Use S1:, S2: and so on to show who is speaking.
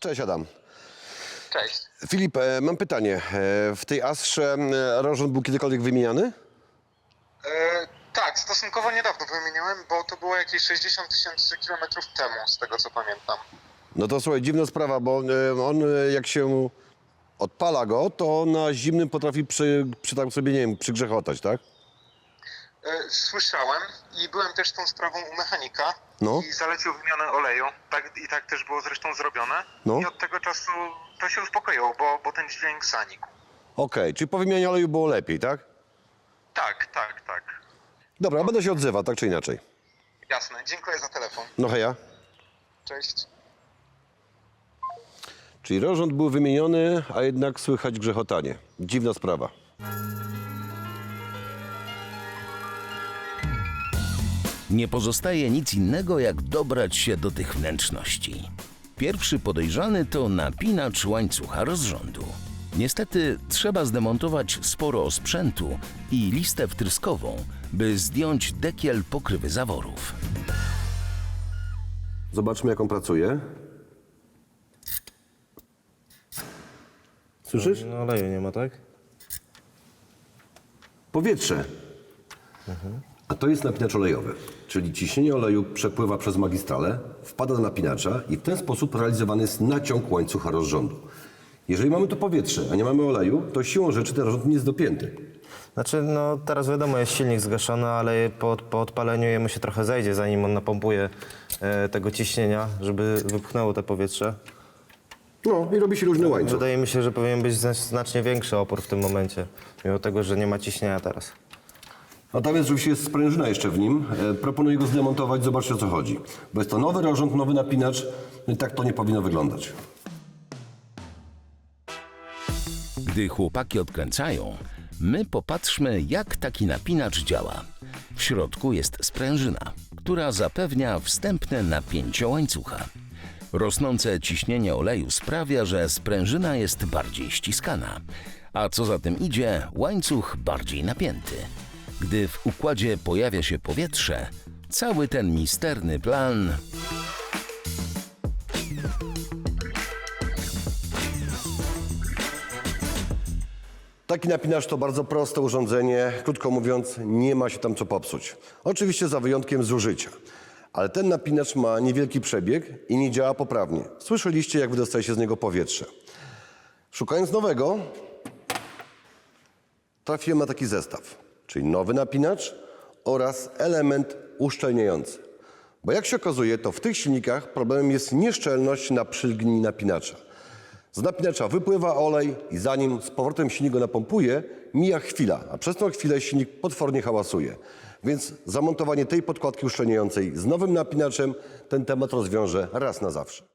S1: Cześć Adam.
S2: Cześć.
S1: Filip, mam pytanie. W tej Astrze rozrząd był kiedykolwiek wymieniany?
S2: Tak, stosunkowo niedawno wymieniłem, bo to było jakieś 60 000 kilometrów temu, z tego co pamiętam.
S1: No to słuchaj, dziwna sprawa, bo on jak się odpala go, to na zimnym potrafi tam sobie, nie wiem, przygrzechotać, tak?
S2: Słyszałem i byłem też tą sprawą u mechanika
S1: No.
S2: i zalecił wymianę oleju. Tak też było zresztą zrobione.
S1: No.
S2: I od tego czasu to się uspokoiło, bo ten dźwięk zanikł.
S1: Okej, czyli po wymianie oleju było lepiej, tak?
S2: Tak.
S1: Dobra, będę się odzywał, tak czy inaczej.
S2: Jasne, dziękuję za telefon.
S1: No heja.
S2: Cześć.
S1: Czyli rozrząd był wymieniony, a jednak słychać grzechotanie. Dziwna sprawa.
S3: Nie pozostaje nic innego, jak dobrać się do tych wnętrzności. Pierwszy podejrzany to napinacz łańcucha rozrządu. Niestety trzeba zdemontować sporo sprzętu i listę wtryskową, by zdjąć dekiel pokrywy zaworów.
S1: Zobaczmy, jak on pracuje. Słyszysz?
S4: No oleju nie ma, tak?
S1: Powietrze. A to jest napinacz olejowy, czyli ciśnienie oleju przepływa przez magistralę, wpada do napinacza i w ten sposób realizowany jest naciąg łańcucha rozrządu. Jeżeli mamy tu powietrze, a nie mamy oleju, to siłą rzeczy ten rozrząd nie jest dopięty.
S4: Znaczy, no teraz wiadomo, jest silnik zgaszony, ale po odpaleniu jemu się trochę zejdzie, zanim on napompuje tego ciśnienia, żeby wypchnęło te powietrze.
S1: No i robi się luźny łańcuch.
S4: Wydaje mi się, że powinien być znacznie większy opór w tym momencie, mimo tego, że nie ma ciśnienia teraz.
S1: A tam jest oczywiście jest sprężyna jeszcze w nim. Proponuję go zdemontować, zobaczcie o co chodzi. Bo jest to nowy rozrząd, nowy napinacz, no i tak to nie powinno wyglądać.
S3: Gdy chłopaki odkręcają, my popatrzmy, jak taki napinacz działa. W środku jest sprężyna, która zapewnia wstępne napięcie łańcucha. Rosnące ciśnienie oleju sprawia, że sprężyna jest bardziej ściskana, a co za tym idzie, łańcuch bardziej napięty. Gdy w układzie pojawia się powietrze, cały ten misterny plan
S1: Taki napinacz to bardzo proste urządzenie, krótko mówiąc, nie ma się tam co popsuć. Oczywiście za wyjątkiem zużycia. Ale ten napinacz ma niewielki przebieg i nie działa poprawnie. Słyszeliście, jak wydostaje się z niego powietrze. Szukając nowego, trafiłem na taki zestaw, czyli nowy napinacz oraz element uszczelniający. Bo jak się okazuje, to w tych silnikach problemem jest nieszczelność na przylgni napinacza. Z napinacza wypływa olej i zanim z powrotem silnik go napompuje, mija chwila, a przez tą chwilę silnik potwornie hałasuje. Więc zamontowanie tej podkładki uszczelniającej z nowym napinaczem ten temat rozwiąże raz na zawsze.